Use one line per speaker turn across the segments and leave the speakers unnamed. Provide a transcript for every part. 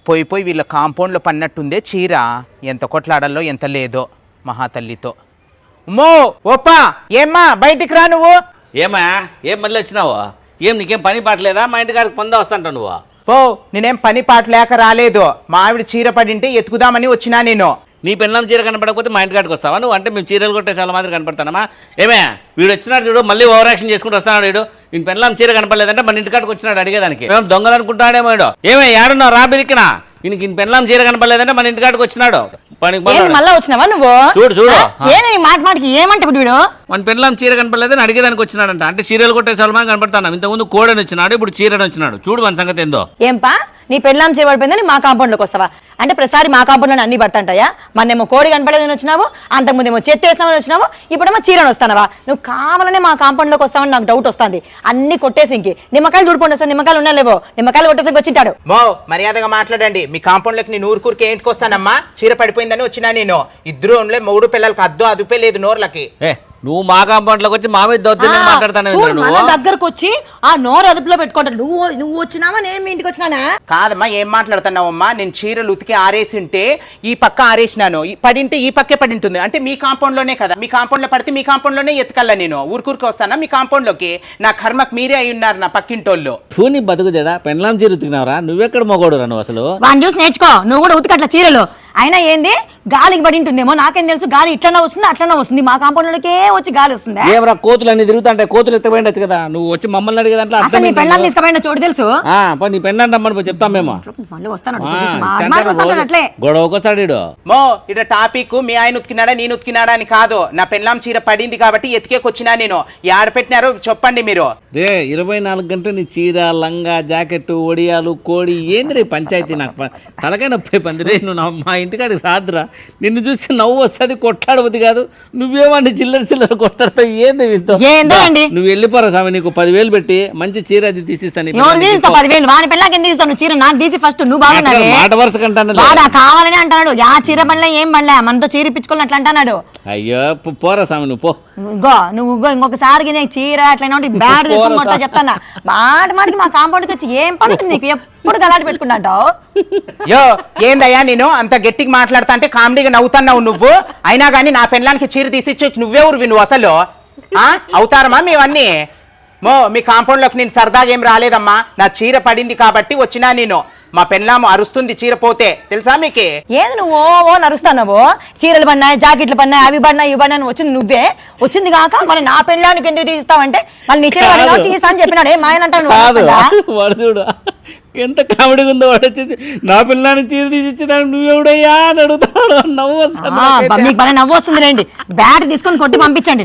పోయి పోయి వీళ్ళ కాంపౌండ్లో పన్నట్టుందే చీర. ఎంత కొట్లాడాలో ఎంత లేదో మహాతల్లితో. ఉమ్మో ఓప్పా ఏమ్మా బయటికి రా నువ్వు.
ఏమా ఏం మళ్ళీ వచ్చినావు? ఏం నీకేం పని పాటలేదా? మా ఇంటికాడికి పొందా వస్తాంటావు నువ్వు.
పో, నేనేం పని పాట లేక రాలేదు. మా ఆవిడ చీర పడింటే ఎత్తుకుదామని వచ్చినా నేను.
నీ పెళ్ళం చీర కనపడకపోతే మా ఇంటికాడికి వస్తావా నువ్వు? అంటే మేము చీరలు కొట్టే చాలా మాదిరి కనపడతానమ్మా. ఏమే వీడు వచ్చినాడు చూడు, మళ్ళీ ఓవర్ యాక్షన్ చేసుకుంటూ వస్తున్నాడు వీడు. వీడి పెళ్ళం చీర కనపడలేదంటే మన ఇంటికాడికి వచ్చినాడు అడిగేదానికి. మేము దొంగలు అనుకుంటాడేమో వీడు. ఏమే ఏడున్నావు రా బిరికినా? ఈయనకి పెళ్ళం చీర కనపడలేదంటే మన ఇంటికాడికి వచ్చినాడు.
మళ్ళా వచ్చినావా నువ్వు?
చూడు చూడు
మాటికి ఏమంటే వీడు
మన పెళ్ళం చీర కనపడలేదని అడిగేదానికి వచ్చినాడంట. అంటే చీరలు కొట్టే సల్మాన్ కనపడతాను. ఇంతకుముందు కోడని వచ్చినాడు, ఇప్పుడు చీరని వచ్చినాడు. చూడు మన సంగతి ఏందో.
ఏంపా నీ పెళ్ళాం చేయబడిపోయిందని మా కాంపౌండ్ లోకి వస్తావా? అంటే ప్రతిసారి మా కాంపౌండ్ లో అన్ని పడతాంటాయా? మొన్నేమో కోడి కనపడలేదని వచ్చినావు, అంతకుముందేమో చెత్త వేస్తామని వచ్చినావు, ఇప్పుడేమో చీరని వస్తానవా? నువ్వు కావాలనే మా కాంపౌండ్ లోకి వస్తావని నాకు డౌట్ వస్తుంది. అన్ని కొట్టేసి ఇంకి నిమ్మకాయలు దూడిపోండి సార్. నిమ్మకాయలు ఉన్నాలేవో, నిమ్మకాయలు కొట్టేసి వచ్చింటాడు.
మో మర్యాదగా మాట్లాడండి. మీ కాంపౌండ్ లోకి నేను ఊరుకూరికి ఏంటికొస్తానమ్మా? చీర పడిపోయిందని వచ్చినా నేను. ఇద్దరు మూడు పిల్లలకి అదుపే లేదు నోర్లకి.
నువ్వు మా కాంపౌండ్ లోకి వచ్చి మా మీద దౌర్జన్యం మాట్లాడతాను.
దగ్గరకు వచ్చి ఆ నోరు అదుపులో పెట్టుకుంటాడు. నువ్వు వచ్చినావా నేను మీ ఇంటికి వచ్చినానా?
కాదమ్మా, ఏం మాట్లాడుతున్నావమ్మా? నేను చీరలు ఉతికి ఆరేసింటే ఈ పక్క ఆరేసినాను, పడింటే ఈ పక్కే పడి ఉంటుంది. అంటే మీ కాంపౌండ్ లోనే కదా, మీ కాంపౌండ్ లో పడితే మీ కాంపౌండ్ లోనే ఎత్తుకల్లా నేను. ఊరుకూరికి వస్తానా మీ కాంపౌండ్ లోకి? నా కర్మకు మీరే అయి ఉన్నారు నా పక్కింటోళ్ళు.
నీ బతుకు జడా పెళ్ళాం చీర ఉతికినావురా? నువ్వెక్కడ మొగోడు రా నువ్వు అసలు?
వాడిని చూసి నేర్చుకో, నువ్వు కూడా ఉతికట్ల చీరలు. అయినా ఏంది గాలికి పడి ఉంటుందేమో, నాకేం తెలుసు. గాలి ఇట్లన్నా వస్తుంది అట్లన్నా వస్తుంది. మా కాంపౌండ్ లోకే వచ్చి గాలి వస్తుంది.
ఏమరా కోతులు అన్ని తిరుగుతుంటే కోతులు ఎత్తపోయిండొచ్చు కదా. నువ్వు వచ్చి మమ్మల్ని అడిగే దాంట్లో
అసలు నీ పెళ్ళాన్ని తీసుకుపోయిన చోటు తెలుసు.
నీ పెళ్ళాన్ని రమ్మని చెప్తాం మేము.
మళ్ళీ వస్తాను అట్లే
గొడవ ఒకసారి
మో ఇట టాపిక్ మీ ఆయన ఉతికినాడా నేను ఉతికినాడా అని కాదు. నా పెళ్ళాం చీర పడింది కాబట్టి ఎతికేకొచ్చినా నేను. యాడ పెట్టినారో చెప్పండి మీరు.
రే 24 గంటలు నీ చీర లంగా జాకెట్ ఒడియాలు కోడి ఏంది రే పంచాయతీ? నాకు తలకాయ నొప్పి పంది రే. నువ్వు మా ఇంటికాడికి రాదురా. నిన్ను చూసి నవ్వు వస్తుంది, కొట్లాడబుద్ది కాదు. నువ్వేమండి చిల్లర కొట్టాడుతావు ఏంది? నువ్వు వెళ్ళిపోరా స్వామి. నీకు 10,000 పెట్టి మంచి చీర అది తీసిస్తాను.
10,000 వాని పెళ్ళాకి ఎందుకు తీస్తాను చీర? నాకు తీసి ఫస్ట్ నువ్వు బాగున్నావు
మాట వరుస కంటాను.
కావాలని అంటున్నాడు. ఆ చీర పనిలో ఏం పడలే, మనతో చీర ఇప్పించుకోవాలి అట్లా అంటున్నాడు.
అయ్యో పోరా స్వామి నువ్వు పో.
నువ్వు ఇంకొకసారి చీర అట్లా బ్యాడ్ తీసుకుంటా చెప్తానా? మాటికి మా కాంపౌండ్కి వచ్చి ఏం పడుతుంది నీకు? ఎప్పుడు గలాట పెట్టుకుంటావు?
యో ఏందయ్యా నేను అంత గట్టిగా మాట్లాడతా అంటే కామెడీగా నవ్వుతున్నావు నువ్వు. అయినా కానీ నా పెళ్ళానికి చీర తీసిచ్చి నువ్వెవరు నువ్వు అసలు? అవుతారమ్మా మేవన్నీ? మీ కాంపౌండ్ లోకి నేను సరదాగా ఏం రాలేదమ్మా. నా చీర పడింది కాబట్టి వచ్చినా నేను. మా పెళ్ళాము అరుస్తుంది చీర పోతే, తెలుసా మీకే?
ఏది నువ్వు ఓ నరుస్తావు? చీరలు పడినాయి, జాకెట్లు పడినాయి, అవి పడినాయి ఇవి పడినా వచ్చింది నువ్వే. వచ్చింది కాక మరి నా పెళ్ళానికి ఎందుకు తీస్తావంటే మళ్ళీ నీ చీర తీస్తా అని చెప్పినాడు. ఏం ఆయన
అంటాడు? ఎంత కామెడీగా ఉందో వాడు వచ్చేసి నా పిల్లని చీర తీసిచ్చేదాన్ని నువ్వెవడయ్యా అని అడుగుతాడు. నవ్వు వస్తుంది.
మీకు బాగా నవ్వు వస్తుంది రండి. బ్యాట్ తీసుకొని కొట్టి పంపించండి.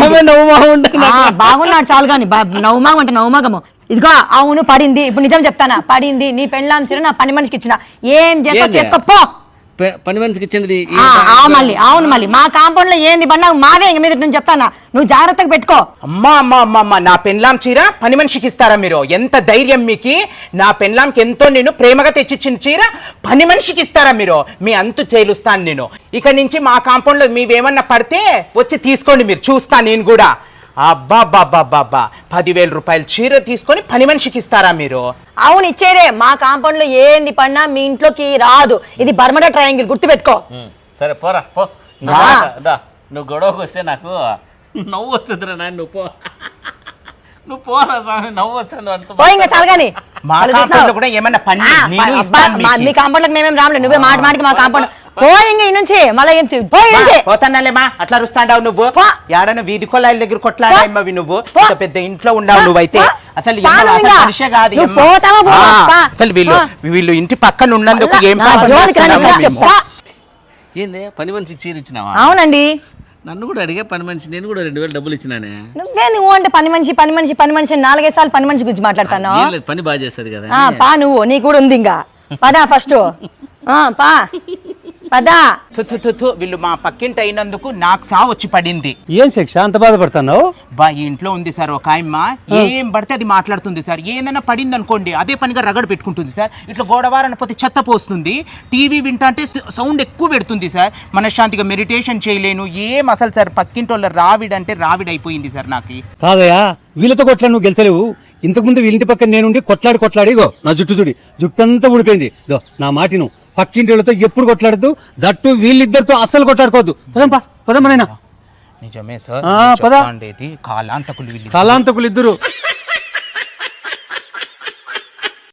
బాగున్నాడు చాలు కానీ నవ్వుమాగం అంటే నవ్వుమాగము. ఇదిగో అవును పడింది. ఇప్పుడు నిజం చెప్తానా? పడింది. నీ పెళ్ళాం చీర నా పని మనిషికి ఇచ్చిన. ఏం చేస్తా చేసుకోపో.
పని మనిషికి ఇచ్చింది
మళ్ళీ అవును. మళ్ళీ మా కాంపౌండ్ లో ఏంది పడినా మావే ఇంక మీద నేను చెప్తానా, నువ్వు జాగ్రత్తగా పెట్టుకో.
అమ్మా నా పెళ్ళాం చీర పని మనిషికి ఇస్తారా మీరు? ఎంత ధైర్యం మీకు? నా పెళ్ళాంకి ఎంతో నేను ప్రేమగా తెచ్చిచ్చిన చీర పని మనిషికి ఇస్తారా మీరు? మీ అంతు తేలుస్తాను నేను. ఇక నుంచి మా కాంపౌండ్ లో మీవేమన్నా పడితే వచ్చి తీసుకోండి మీరు, చూస్తాను నేను కూడా. అబ్బా 10,000 రూపాయలు చీర తీసుకొని పని మనిషికి ఇస్తారా మీరు?
అవును ఇచ్చేదే. మా కాంపౌండ్ లో ఏంది పడినా మీ ఇంట్లోకి రాదు. ఇది బర్మడా ట్రయాంగిల్, గుర్తుపెట్టుకో.
సరే పోరా పో. నువ్వు గొడవకు వస్తే నాకు నవ్వు వస్తుంది రా. నువ్వు పోరా స్వామి, నవ్వు వస్తుంది.
ఇంకా చాలు కానీ
మీ
కాంపౌండ్ మేమేం రాములే. నువ్వే మాటికి మా కాంపౌండ్ పోయింగ్ నుంచి మళ్ళీ
పోతానాలేమా? అట్లా అరుస్తాడావు నువ్వు. ఏడన్నా వీధి కొలాయిల దగ్గర కొట్లాడావి నువ్వు. పెద్ద ఇంట్లో ఉండవు నువ్వైతే. అసలు మనిషే కాదు. అసలు వీళ్ళు ఇంటి పక్కన ఉన్నందుకు ఏం
ఏంది పని మనిషికి చీర ఇచ్చినావా?
అవునండి.
నన్ను కూడా అడిగే పని మనిషి. నేను కూడా 2,000 డబ్బులు ఇచ్చినానే.
నువ్వు అంటే పని మనిషి 4-5 సార్లు పని మనిషి గురించి మాట్లాడతాను.
పని బాగా చేస్తుంది కదా.
పా నువ్వు, నీ కూడా ఉంది ఇంకా. పదా ఫస్ట్ పా పదా.
వీళ్ళు మా పక్కింటి అయినందుకు నాకు సావు వచ్చి పడింది.
ఏం శిక్ష అంత బాధపడుతున్నావు?
ఈ ఇంట్లో ఉంది సార్ ఒక ఆయమ్మ, ఏం పడితే అది మాట్లాడుతుంది సార్. ఏదైనా పడింది అనుకోండి అదే పనిగా రగడ పెట్టుకుంటుంది సార్. ఇట్లా గోడవారని పోతే చెత్త పోస్తుంది. టీవీ వింటా అంటే సౌండ్ ఎక్కువ పెడుతుంది సార్. మనశ్శాంతిగా మెడిటేషన్ చేయలేను. ఏం అసలు సార్ పక్కింటి వాళ్ళ రావిడంటే రావిడైపోయింది సార్ నాకు.
కాదయా, వీళ్ళతో కొట్లా నువ్వు గెలిచలేవు. ఇంతకుముందు వీళ్ళింటి పక్కన నేనుండి కొట్లాడి ఇగో నా జుట్టు అంతా ఊడిపోయింది. దో నా మాటిను, పక్కింటి వాళ్ళతో ఎప్పుడు కొట్లాడద్దు, దట్టు వీళ్ళిద్దరితో అస్సలు కొట్లాడుకోవద్దు. పదమ్మా నాయనా.
నిజమే సార్
పద.
కాలాంతకులు
కాలాంతకులు ఇద్దరు.